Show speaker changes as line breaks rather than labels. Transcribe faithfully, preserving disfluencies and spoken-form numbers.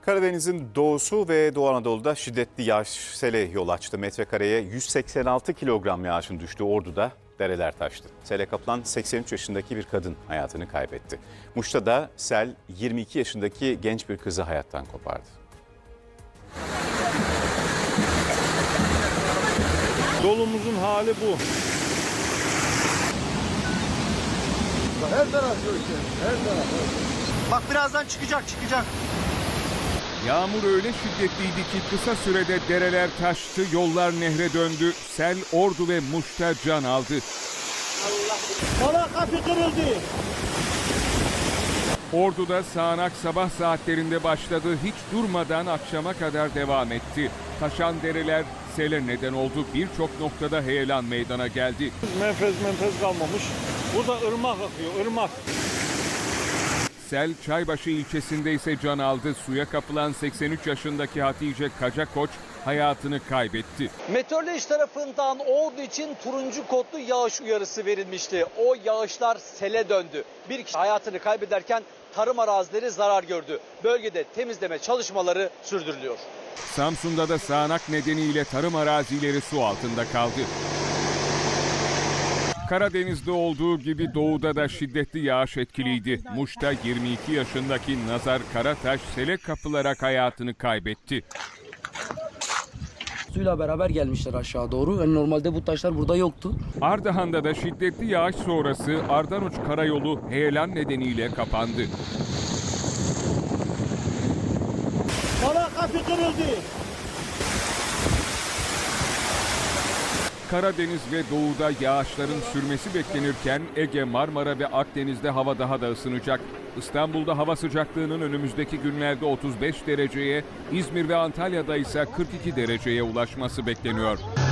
Karadeniz'in doğusu ve Doğu Anadolu'da şiddetli yağış sele yol açtı. Metrekareye yüz seksen altı kilogram yağışın düştüğü Ordu'da dereler taştı. Sele kapılan seksen üç yaşındaki bir kadın hayatını kaybetti. Muş'ta da sel yirmi iki yaşındaki genç bir kızı hayattan kopardı.
Yolumuzun hali bu.
Her taraf göçer, her taraf.
Bak birazdan çıkacak, çıkacak.
Yağmur öyle şiddetliydi ki kısa sürede dereler taştı, yollar nehre döndü. Sel Ordu ve Muş'ta can aldı.
Bana kapı kırıldı.
Ordu'da sağanak sabah saatlerinde başladı, hiç durmadan akşama kadar devam etti. Taşan dereler sele neden oldu, birçok noktada heyelan meydana geldi.
Menfez menfez kalmamış. Burada ırmak akıyor, ırmak.
Sel Çaybaşı ilçesinde ise can aldı. Suya kapılan seksen üç yaşındaki Hatice Kacakoç hayatını kaybetti.
Meteoroloji tarafından Ordu için turuncu kodlu yağış uyarısı verilmişti. O yağışlar sele döndü. Bir kişi hayatını kaybederken tarım arazileri zarar gördü. Bölgede temizleme çalışmaları sürdürülüyor.
Samsun'da da sağanak nedeniyle tarım arazileri su altında kaldı. Karadeniz'de olduğu gibi doğuda da şiddetli yağış etkiliydi. Muş'ta yirmi iki yaşındaki Nazar Karataş sele kapılarak hayatını kaybetti.
Suyla beraber gelmişler aşağı doğru. Yani normalde bu taşlar burada yoktu.
Ardahan'da da şiddetli yağış sonrası Ardanuç Karayolu heyelan nedeniyle kapandı.
Bana kapı kırıldı.
Karadeniz ve doğuda yağışların sürmesi beklenirken Ege, Marmara ve Akdeniz'de hava daha da ısınacak. İstanbul'da hava sıcaklığının önümüzdeki günlerde otuz beş dereceye, İzmir ve Antalya'da ise kırk iki dereceye ulaşması bekleniyor.